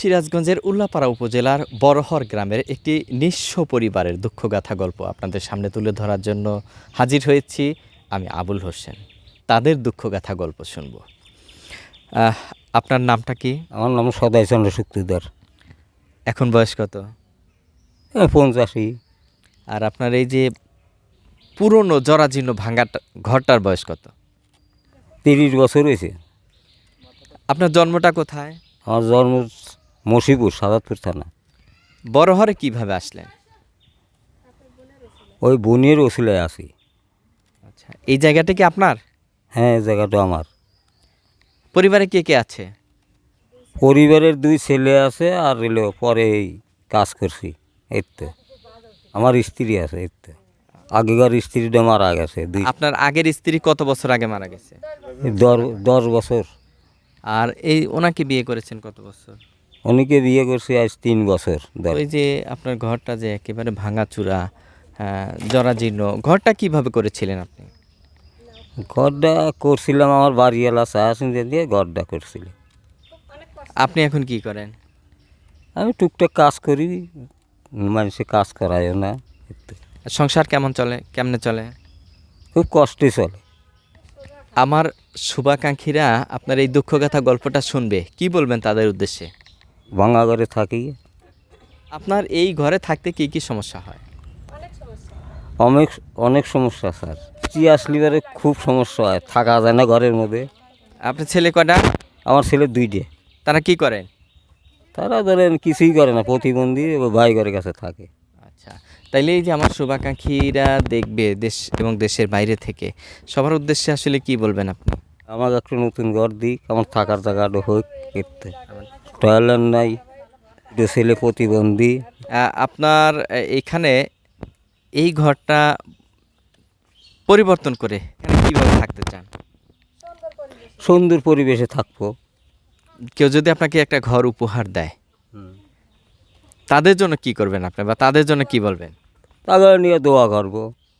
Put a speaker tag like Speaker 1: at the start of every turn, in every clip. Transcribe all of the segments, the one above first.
Speaker 1: সিরাজগঞ্জের উল্লাপাড়া উপজেলার বড়হর গ্রামের একটি নিঃস্ব পরিবারের দুঃখগাথা গল্প আপনাদের সামনে তুলে ধরার জন্য হাজির হয়েছি। আমি আবুল হোসেন। তাদের দুঃখগাথা গল্প শুনব। আপনার নামটা কি?
Speaker 2: আমার নাম সদাইচন্দ্র শুক্তিদার।
Speaker 1: এখন বয়স কত?
Speaker 2: 85।
Speaker 1: আর আপনার এই যে পুরনো জরাজীর্ণ ভাঙা ঘরটার বয়স কত?
Speaker 2: 30 বছর হয়েছে।
Speaker 1: আপনার জন্মটা কোথায়?
Speaker 2: আমার জন্ম মসিপুর, সাদাতপুর থানা।
Speaker 1: বড়হরে কিভাবে আসলেন?
Speaker 2: ওই বোনের ওসিলায় আছি।
Speaker 1: আচ্ছা, এই জায়গাটা কি আপনার?
Speaker 2: হ্যাঁ, এই জায়গাটা আমার।
Speaker 1: পরিবারে কে কে আছে?
Speaker 2: পরিবারের 2 ছেলে আছে, আর এলো পরে এই কাজ করছি। এই তো আমার স্ত্রী আছে। এই তো আগেকার স্ত্রীটা মারা গেছে।
Speaker 1: আপনার আগের স্ত্রী কত বছর আগে মারা গেছে?
Speaker 2: 10 বছর।
Speaker 1: আর এই ওনাকে বিয়ে করেছেন কত বছর?
Speaker 2: উনিকে বিয়ে করছি আজ 3 বছর।
Speaker 1: ওই যে আপনার ঘরটা যে একেবারে ভাঙাচুরা, জরাজীর্ণ, ঘরটা কিভাবে করেছিলেন আপনি?
Speaker 2: ঘরটা করছিলাম আমার বাড়িওয়ালা চাষিন্দে দিয়ে ঘরটা করছিলাম।
Speaker 1: আপনি এখন কি করেন?
Speaker 2: আমি টুকটাক কাজ করি, মানুষে কাজ করায়ও না।
Speaker 1: সংসার কেমন চলে, কেমনে চলে?
Speaker 2: খুব কষ্টে চলে।
Speaker 1: আমার শুভাকাঙ্ক্ষীরা আপনার এই দুঃখগাথা গল্পটা শুনবে, কি বলবেন তাদের উদ্দেশ্যে?
Speaker 2: ভাঙা ঘরে থাকি।
Speaker 1: আপনার এই ঘরে থাকতে কি কি সমস্যা হয়?
Speaker 2: অনেক অনেক সমস্যা স্যার। আসলিবারে খুব সমস্যা হয়, থাকা যায় না ঘরের মধ্যে।
Speaker 1: আপনার ছেলে কটা?
Speaker 2: আমার ছেলে 2টে।
Speaker 1: তারা কি করেন?
Speaker 2: তারা ধরেন কিছুই করে না, প্রতিবন্ধী, ভাই ঘরের কাছে থাকে।
Speaker 1: আচ্ছা, তাইলে এই যে আমার শুভাকাঙ্ক্ষীরা দেখবে দেশ এবং দেশের বাইরে থেকে, সবার উদ্দেশ্যে আসলে কি বলবেন আপনি?
Speaker 2: আমাকে একটু নতুন ঘর দিক, আমার থাকার জায়গাটা হোক। করতে টয়লেট নাই, 2 ছেলে প্রতিবন্ধী।
Speaker 1: আপনার এখানে এই ঘরটা পরিবর্তন করে এখানে কীভাবে থাকতে চান?
Speaker 2: সুন্দর পরিবেশে থাকবো।
Speaker 1: কেউ যদি আপনাকে একটা ঘর উপহার দেয়, তাদের জন্য কি করবেন আপনি, বা তাদের জন্য কি বলবেন?
Speaker 2: তাদের নিয়ে দোয়া করবো,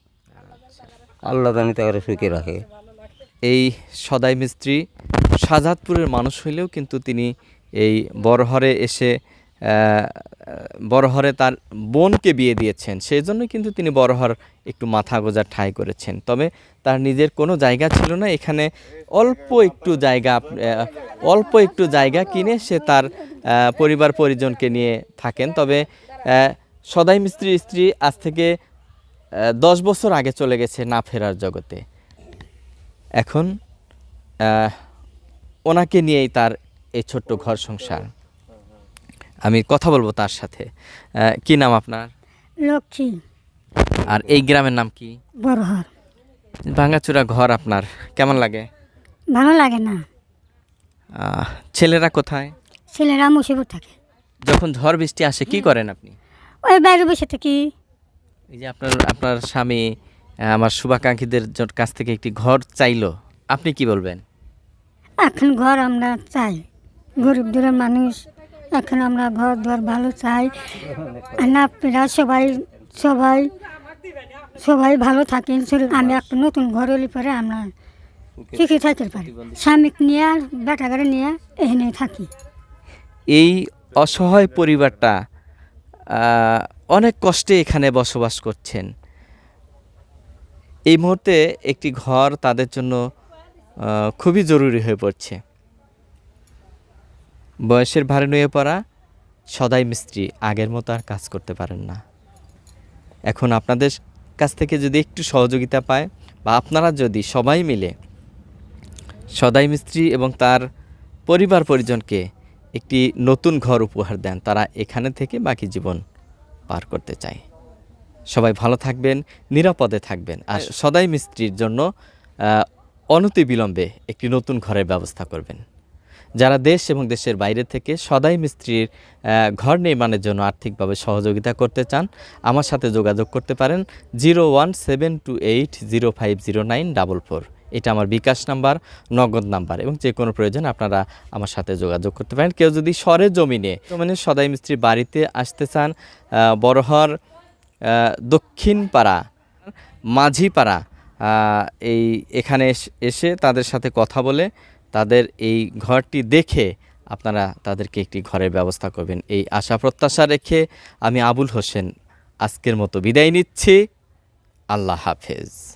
Speaker 2: আল্লাহ জানি তাকে সুখে রাখে।
Speaker 1: এই সদাই মিস্ত্রি শাহজাদপুরের মানুষ হইলেও কিন্তু তিনি এই বড়হরে এসে বড়হরে তার বোনকে বিয়ে দিয়েছেন, সেই জন্য কিন্তু তিনি বড়হর একটু মাথা গোঁজার ঠাঁই করেছেন। তবে তার নিজের কোনো জায়গা ছিল না, এখানে অল্প একটু জায়গা কিনে সে তার পরিবার পরিজনকে নিয়ে থাকেন। তবে সদাই মিস্ত্রির স্ত্রী আজ থেকে 10 বছর আগে চলে গেছে না ফেরার জগতে। এখন ওনাকে নিয়েই তার এই ছোট্ট ঘর সংসার। আমি কথা বলবো তার সাথে। কি নাম আপনার?
Speaker 3: লক্ষ্মী।
Speaker 1: আর এই গ্রামের নাম কি?
Speaker 3: বড়হর।
Speaker 1: ভাঙাচুরা ঘর আপনার কেমন লাগে?
Speaker 3: ভালো লাগে না।
Speaker 1: ছেলেরা কোথায়?
Speaker 3: ছেলেরা মুসিবত থাকে।
Speaker 1: যখন ঝড় বৃষ্টি আসে কি করেন আপনি?
Speaker 3: ওই বাইরে বসে থাকি।
Speaker 1: এই যে আপনার স্বামী আমার শুভাকাঙ্ক্ষীদের কাছ থেকে একটি ঘর চাইলো, আপনি কি বলবেন?
Speaker 3: এখন ঘর আমরা চাই, গরিব দূরের মানুষ, এখন আমরা ঘর দুয়ার ভালো চাই। না আপনারা সবাই সবাই সবাই ভালো থাকেন। আমি একটা নতুন ঘর হলে পরে আমরা সুখী থাকতে পারি। স্বামীকে নিয়ে আর বেটা করে নিয়ে এখানে থাকি।
Speaker 1: এই অসহায় পরিবারটা অনেক কষ্টে এখানে বসবাস করছেন। এই মুহূর্তে একটি ঘর তাদের জন্য খুবই জরুরি হয়ে পড়ছে। বয়সের ভারে নুয়ে পড়া সদাই মিস্ত্রি আগের মতো আর কাজ করতে পারেন না। এখন আপনাদের কাছ থেকে যদি একটু সহযোগিতা পায়, বা আপনারা যদি সবাই মিলে সদাই মিস্ত্রি এবং তার পরিবার পরিজনকে একটি নতুন ঘর উপহার দেন, তারা এখানে থেকে বাকি জীবন পার করতে চায়। সবাই ভালো থাকবেন, নিরাপদে থাকবেন, আর সদাই মিস্ত্রির জন্য অনতিবিলম্বে একটি নতুন ঘরের ব্যবস্থা করবেন। যারা দেশ এবং দেশের বাইরে থেকে সদাই মিস্ত্রির ঘর নির্মাণের জন্য আর্থিকভাবে সহযোগিতা করতে চান, আমার সাথে যোগাযোগ করতে পারেন 01728050944। এটা আমার বিকাশ নাম্বার, নগদ নাম্বার, এবং যে কোনো প্রয়োজন আপনারা আমার সাথে যোগাযোগ করতে পারেন। কেউ যদি সরে জমিনে সদাই মিস্ত্রির বাড়িতে আসতে চান, বড়হর দক্ষিণপাড়া মাঝিপাড়া এখানে এসে তাদের সাথে কথা বলে তাদের এই ঘরটি দেখে আপনারা তাদেরকে একটি ঘরের ব্যবস্থা করবেন, এই আশা প্রত্যাশা রেখে আমি আবুল হোসেন আজকের মতো বিদায় নিচ্ছি। আল্লাহ হাফেজ।